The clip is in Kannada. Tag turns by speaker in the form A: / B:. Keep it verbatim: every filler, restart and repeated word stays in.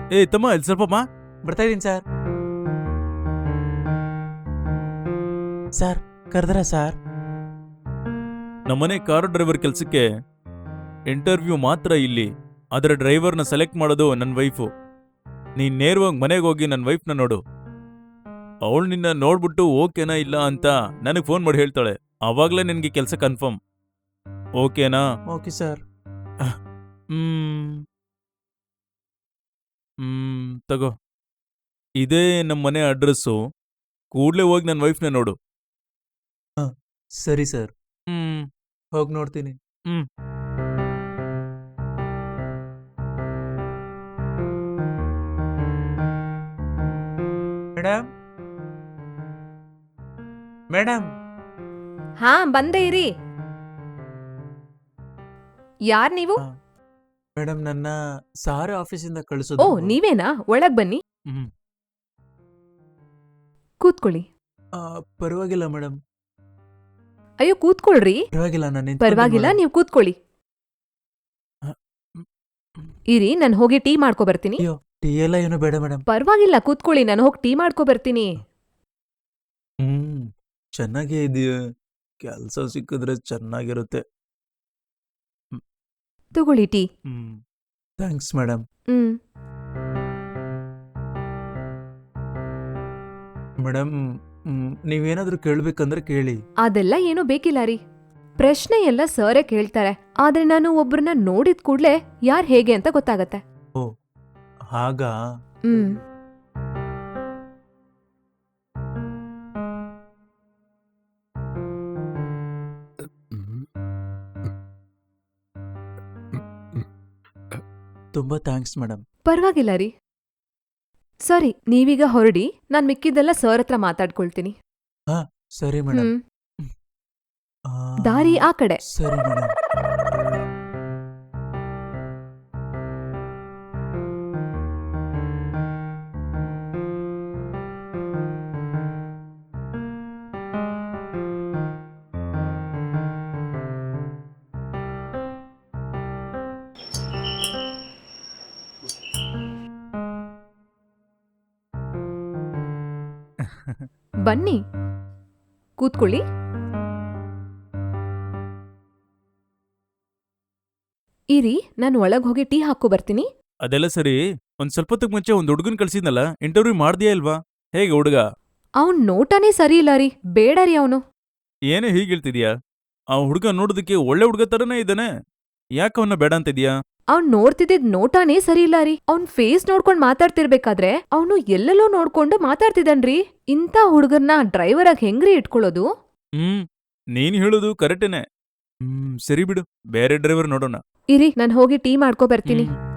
A: ಏ ತಮ್ಮ ಇಲ್ಲಿ ಸ್ವಲ್ಪಮ್ಮ.
B: ಬರ್ತಾ ಇದೀನಿ ಸರ್. ಸರ್ ಕರೆದ್ರ ಸರ್?
A: ನಮ್ಮನೆ ಕಾರು ಡ್ರೈವರ್ ಕೆಲ್ಸಕ್ಕೆ ಇಂಟರ್ವ್ಯೂ ಮಾತ್ರ ಇಲ್ಲಿ. ಅದರ ಡ್ರೈವರ್ನ ಸೆಲೆಕ್ಟ್ ಮಾಡೋದು ನನ್ನ ವೈಫು. ನೀನ್ ನೇರವಾಗಿ ಮನೆಗೆ ಹೋಗಿ ನನ್ನ ವೈಫ್ನ ನೋಡು. ಅವಳು ನಿನ್ನ ನೋಡ್ಬಿಟ್ಟು ಓಕೆನಾ ಇಲ್ಲ ಅಂತ ನನಗೆ ಫೋನ್ ಮಾಡಿ ಹೇಳ್ತಾಳೆ. ಆವಾಗಲೇ ನಿನಗೆ ಕೆಲಸ ಕನ್ಫರ್ಮ್. ಓಕೆನಾ?
B: Okay sir.
A: ಹ್ಮ್ ಹ್ಮ್ ತಗೋ, ಇದೇ ನಮ್ಮ ಮನೆ ಅಡ್ರೆಸ್ಸು. ಕೂಡ್ಲೇ ಹೋಗಿ ನನ್ನ ವೈಫ್ನ ನೋಡು.
B: ಸರಿ ಸರ್,
A: ಹ್ಮ್
B: ಹೋಗಿ ನೋಡ್ತೀನಿ.
A: ಹ್ಮ್
B: ಮೇಡಮ್ ಮೇಡಮ್
C: ಹಾ ಬಂದೆ ಇರಿ. ಯಾರ್ ನೀವು?
B: ಮೇಡಮ್, ನನ್ನ ಸಾರಿ ಆಫೀಸಿಂದ
C: ಓ
B: ಕಳಿಸೋದು.
C: ನೀವೇನಾ? ಒಳಗ್ ಬನ್ನಿ,
A: ಹ್ಮ್
C: ಕೂತ್ಕೊಳ್ಳಿ.
B: ಆ, ಪರವಾಗಿಲ್ಲ ಮೇಡಮ್,
C: ಅಯ್ಯೋ ಕೂತ್ಕೊಳ್ರಿ.
B: ಪರವಾಗಿಲ್ಲ. ನಾನು
C: ಪರವಾಗಿಲ್ಲ, ನೀವು ಕೂತ್ಕೊಳ್ಳಿ. ಇರಿ, ನಾನು ಹೋಗಿ ಟೀ ಮಾಡ್ಕೊ ಬರ್ತೀನಿ.
B: ಅಯ್ಯೋ, ಟೀ ಎಲ್ಲ ಏನು ಬೇಡ ಮೇಡಮ್.
C: ಪರವಾಗಿಲ್ಲ, ಕೂತ್ಕೊಳ್ಳಿ, ನಾನು ಹೋಗಿ ಟೀ ಮಾಡ್ಕೊ ಬರ್ತೀನಿ.
B: ಹ್ಮ್ ಚೆನ್ನಾಗೇ ಇದೆಯಾ? ಕೆಲಸ ಸಿಕ್ಕಿದ್ರೆ ಚೆನ್ನಾಗಿರುತ್ತೆ.
C: ತಗೊಳ್ಳಿ tea.
B: Hmm thanks madam.
C: Hmm
B: madam, ನೀವೇನಾದ್ರೂ ಕೇಳ್ಬೇಕಂದ್ರೆ ಕೇಳಿ.
C: ಅದೆಲ್ಲ ಏನೂ ಬೇಕಿಲ್ಲ ರೀ. ಪ್ರಶ್ನೆ ಎಲ್ಲ ಸರೇ ಕೇಳ್ತಾರೆ, ಆದ್ರೆ ನಾನು ಒಬ್ರನ್ನ ನೋಡಿದ ಕೂಡ್ಲೆ ಯಾರ್ ಹೇಗೆ ಅಂತ ಗೊತ್ತಾಗತ್ತೆ.
B: ಓ ಹಾಗಾ?
C: ಹ್ಮ್
B: ತುಂಬಾ ಥ್ಯಾಂಕ್ಸ್ ಮೇಡಮ್.
C: ಪರವಾಗಿಲ್ಲ ರೀ. ಸರಿ, ನೀವೀಗ ಹೊರಡಿ, ನಾನ್ ಮಿಕ್ಕಿದ್ದೆಲ್ಲ ಸರ್ ಹತ್ರ ಮಾತಾಡ್ಕೊಳ್ತೀನಿ.
B: ಹಾ ಸರಿ ಮೇಡಮ್.
C: ಹ್ಮ್ ದಾರಿ ಆ ಕಡೆ.
B: ಸರಿ ಮೇಡಮ್.
C: ಬನ್ನಿ, ಕೂತ್ಕೊಳ್ಳಿ. ಇರಿ, ನಾನು ಒಳಗ್ ಹೋಗಿ ಟೀ ಹಾಕೋ ಬರ್ತೀನಿ.
A: ಅದೆಲ್ಲ ಸರಿ. ಒಂದ್ ಸ್ವಲ್ಪ ಹೊತ್ತಿಗೆ ಮುಂಚೆ ಒಂದ್ ಹುಡುಗನ್ ಕಳ್ಸಿದ್ನಲ್ಲ, ಇಂಟರ್ವ್ಯೂ ಮಾಡ್ದಿಯಾ ಇಲ್ವಾ? ಹೇಗೆ ಹುಡುಗ?
C: ಅವ್ನ್ ನೋಟನೇ ಸರಿ ಇಲ್ಲ ರೀ. ಬೇಡ ರೀ ಅವನು.
A: ಏನೇ ಹೀಗೆ ಹೇಳ್ತಿದ್ಯಾ? ಆ ಹುಡುಗ ನೋಡೋದಕ್ಕೆ ಒಳ್ಳೆ ಹುಡುಗ ತರನೇ ಇದ್ದಾನೆ. ಯಾಕೆ ಅವನ್ನ ಬೇಡ ಅಂತಿದ್ಯಾ?
C: ಅವ್ನ್ ನೋಡ್ತಿದ್ದಿದ್ ನೋಟಾನೇ ಸರಿ ಇಲ್ಲ ರೀ. ಅವ್ನ್ ಫೇಸ್ ನೋಡ್ಕೊಂಡ್ ಮಾತಾಡ್ತಿರ್ಬೇಕಾದ್ರೆ ಅವನು ಎಲ್ಲೆಲ್ಲೋ ನೋಡ್ಕೊಂಡು ಮಾತಾಡ್ತಿದ್ದಾನ್ರಿ. ಇಂಥ ಹುಡುಗರ್ನ ಡ್ರೈವರ್ ಆಗಿ ಹೆಂಗ್ರಿ ಇಟ್ಕೊಳ್ಳೋದು?
A: ಹ್ಮ್ ನೀನ್ ಹೇಳೋದು ಕರೆಕ್ಟೇನೆ. ಹ್ಮ್ ಸರಿ ಬಿಡು, ಬೇರೆ ಡ್ರೈವರ್ ನೋಡೋಣ.
C: ಇರಿ, ನಾನು ಹೋಗಿ ಟೀ ಮಾಡ್ಕೊ ಬರ್ತೀನಿ.
A: ಹ್ಮ್.